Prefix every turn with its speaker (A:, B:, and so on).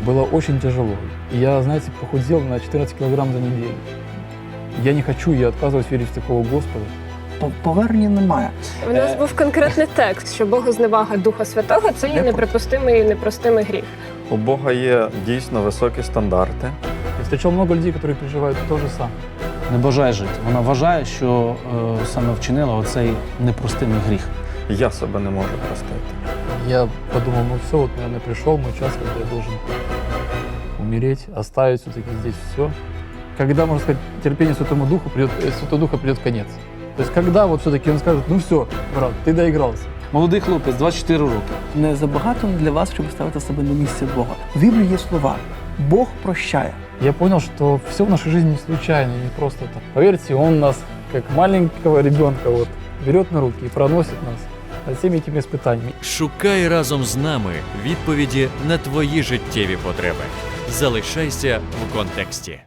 A: было очень тяжело. И я, знаете, похудел на 14 килограмм за неделю. Я не хочу, я отказываюсь верить в такого Господа.
B: Повернення немає.
C: У нас був конкретний текст, що Богозневага Духа Святого – це є неприпустимий і непростимий гріх.
D: У Бога є дійсно високі стандарти.
A: Я встречал много людей, которые переживают то же самое.
E: Не бажає жити. Вона вважає, що саме вчинила оцей непростимий гріх.
D: Я себе не можу простити.
A: Я подумал, ну все, вот, наверное, пришел мой час, когда я должен умереть, оставить все-таки здесь все. Когда, можно сказать, терпению Святому Духу Святого Духа придет конец. То есть когда вот все-таки он скажет, ну все, брат, ты доигрался.
E: Молодий хлопець, 24 роки.
B: Не забагато для вас, щоб ставити себе на місце Бога. В Біблії є слова «Бог прощає».
A: Я понял, что все в нашей жизни не случайно, не просто так. Поверьте, он нас, как маленького ребенка, вот, берет на руки и проносит нас над всеми этими испытаниями.
F: Шукай разом з нами відповіді на твої життєві потреби. Залишайся в контексті.